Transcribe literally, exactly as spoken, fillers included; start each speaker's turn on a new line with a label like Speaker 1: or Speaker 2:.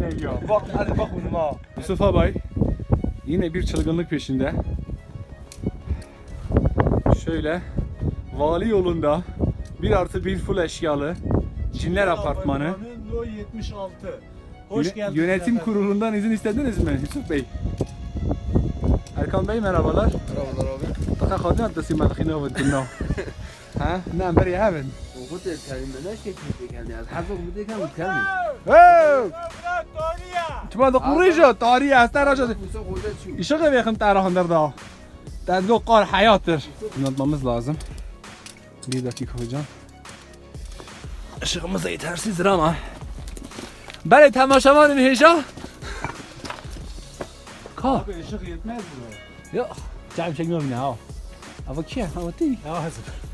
Speaker 1: ya. Bak hadi bak bununla.
Speaker 2: Yusuf abay yine bir çılgınlık peşinde. Şöyle vali yolunda bir artı bir full eşyalı Cinler Apartmanı.
Speaker 1: No yetmiş altı. Hoş
Speaker 2: Yöne-
Speaker 1: geldiniz.
Speaker 2: Yönetim
Speaker 1: efendim.
Speaker 2: kurulundan izin istediniz mi Yusuf Bey? Erkan Bey merhabalar.
Speaker 3: Merhabalar abi.
Speaker 2: Taka kadın adresi madhine ve dinno. Ha? Ne beri hemen.
Speaker 3: وقلت الكلمة لا شيء كيف يعني حظك بدي كم كلمة.
Speaker 2: Hey!
Speaker 1: Bırak Tony'ya.
Speaker 2: Çuma da kuruyucu tarihi hasta raja.
Speaker 3: وسوق ولا شو.
Speaker 2: İşe gibi yakın tarafındır da. Tedgo kar hayattır. Anlatmamız lazım. Bir dakika hocam. Işığımız da yetersizdir ama. Bale temaşamanın heyecan. Ka.
Speaker 1: Abi ışık yetmez mi?
Speaker 2: Yok. Cem çekmiyorum ya. Ama ki? Ama değil.
Speaker 1: Ya hazır.